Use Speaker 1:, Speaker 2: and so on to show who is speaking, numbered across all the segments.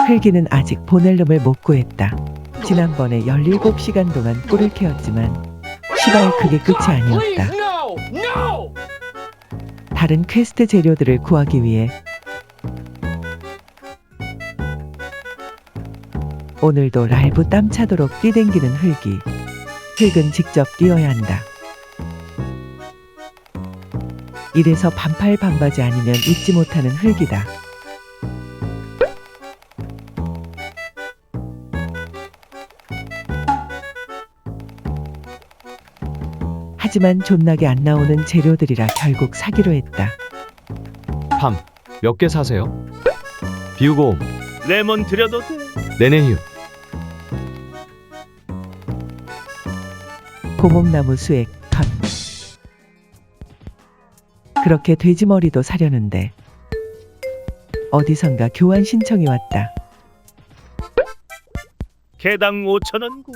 Speaker 1: 흙이는 아직 보넬름을 못 구했다. 지난번에 17시간 동안 꿀을 캐었지만 시발 그게 끝이 아니었다. 다른 퀘스트 재료들을 구하기 위해 오늘도 랄부 땀 차도록 뛰댕기는 흙이. 흙은 직접 뛰어야 한다. 이래서 반팔 반바지 아니면 입지 못하는 흙이다. 하지만 존나게 안 나오는 재료들이라 결국 사기로 했다.
Speaker 2: 팜, 몇 개 사세요? 비우고
Speaker 3: 레몬 드려도 돼?
Speaker 2: 네네휴.
Speaker 1: 고목나무 수액 턴. 그렇게 돼지머리도 사려는데 어디선가 교환 신청이 왔다.
Speaker 3: 개당 5,000원고.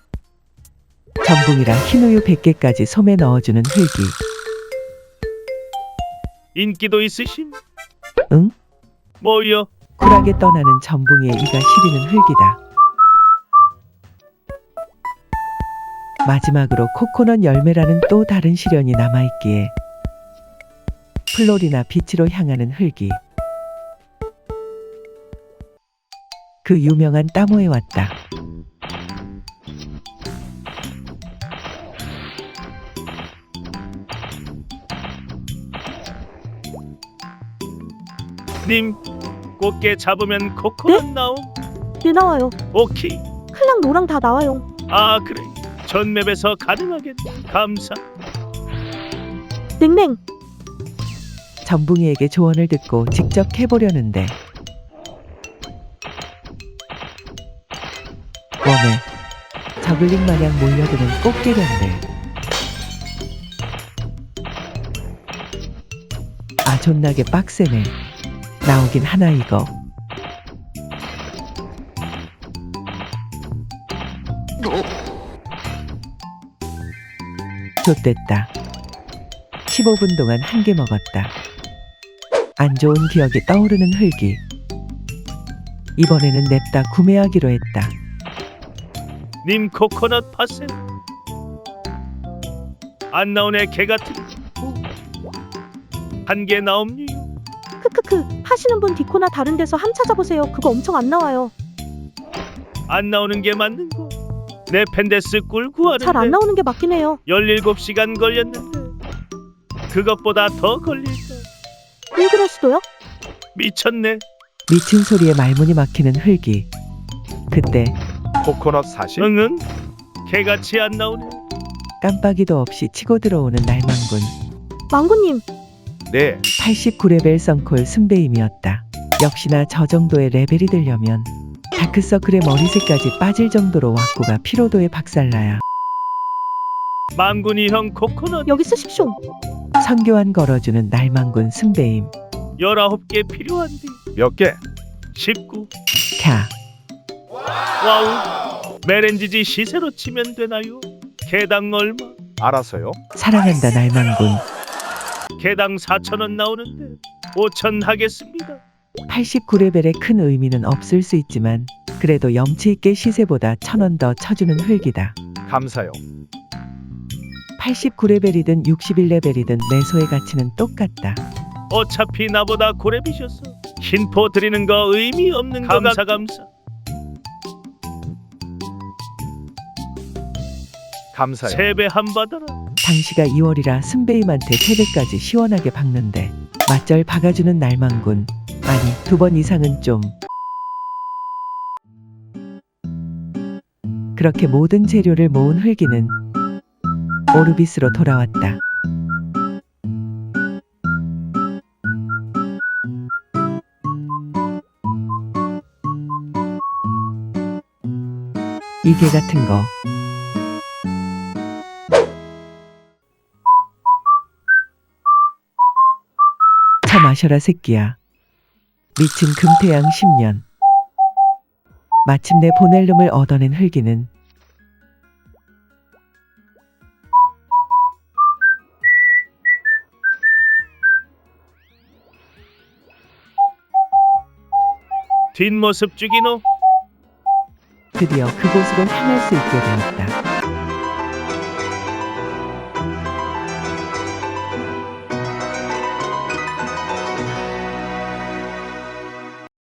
Speaker 1: 전붕이랑 흰우유 100개까지 솜에 넣어주는 흙이.
Speaker 3: 인기도 있으심?
Speaker 1: 응?
Speaker 3: 뭐요?
Speaker 1: 쿨하게 떠나는 전붕이의 이가 시리는 흙이다. 마지막으로 코코넛 열매라는 또 다른 시련이 남아있기에 플로리나 비치로 향하는 흙이. 그 유명한 따모에 왔다.
Speaker 3: 님, 꽃게 잡으면 코코넛 나옴?
Speaker 4: 네 나와요.
Speaker 3: 오케이.
Speaker 4: 클랑 노랑 다 나와요.
Speaker 3: 아 그래. 전 맵에서 가능하겠네. 감사.
Speaker 4: 냉랭.
Speaker 1: 전붕이에게 조언을 듣고 직접 해보려는데 웜에 저글링 마냥 몰려드는 꽃게련들. 아 존나게 빡세네. 나오긴 하나 이거. 좆됐다. 15분 동안 한 개 먹었다. 안 좋은 기억이 떠오르는 흙이. 이번에는 냅다 구매하기로 했다.
Speaker 3: 님 코코넛 파세요. 안 나오네 개 같은. 한 개 나옴니?
Speaker 4: 크크크. 하시는 분 디코나 다른 데서 함 찾아보세요. 그거 엄청 안 나와요.
Speaker 3: 안 나오는 게 맞는 거. 내 펜데스 꿀 구하는데
Speaker 4: 잘 안 나오는 게 맞긴 해요.
Speaker 3: 17시간 걸렸는데 그것보다 더 걸릴까?
Speaker 4: 왜 그럴 수도요?
Speaker 3: 미쳤네.
Speaker 1: 미친 소리에 말문이 막히는 흙이. 그때
Speaker 5: 코코넛 사실?
Speaker 3: 응응. 개같이 안 나오네.
Speaker 1: 깜빡이도 없이 치고 들어오는 날망군.
Speaker 4: 망구님.
Speaker 5: 네,
Speaker 1: 89레벨 썬콜 순배임이었다. 역시나 저 정도의 레벨이 되려면 다크서클의 머리색까지 빠질 정도로 왁구가 피로도에 박살나야.
Speaker 3: 망군이 형 코코넛
Speaker 4: 여기 쓰십쇼.
Speaker 1: 선교환 걸어주는 날망군 순배임.
Speaker 3: 19개 필요한데
Speaker 5: 몇 개?
Speaker 3: 19.
Speaker 1: 캬.
Speaker 3: 와우. 메렌지지 시세로 치면 되나요? 개당 얼마?
Speaker 5: 알았어요.
Speaker 1: 사랑한다 날망군.
Speaker 3: 개당 4,000원 나오는데 5,000 하겠습니다.
Speaker 1: 89레벨의 큰 의미는 없을 수 있지만 그래도 염치있게 시세보다 1,000원 더 쳐주는 흙이다.
Speaker 5: 감사요.
Speaker 1: 89레벨이든 61레벨이든 매소의 가치는 똑같다.
Speaker 3: 어차피 나보다 고래비셨어. 흰포 드리는 거 의미 없는 거 감사 감사.
Speaker 5: 감사요.
Speaker 3: 세배 한 받아라.
Speaker 1: 당시가 2월이라 순배임한테 3배까지 시원하게 박는데 맞절 박아주는 날망군. 아니 2번 이상은 좀. 그렇게 모든 재료를 모은 흙이는 오르비스로 돌아왔다. 이게 같은 거. 차 마셔라 새끼야. 미친 금태양 10년. 마침내 보넬름을 얻어낸 흙이는
Speaker 3: 뒷모습 죽이노.
Speaker 1: 드디어 그곳으로 향할 수 있게 되었다.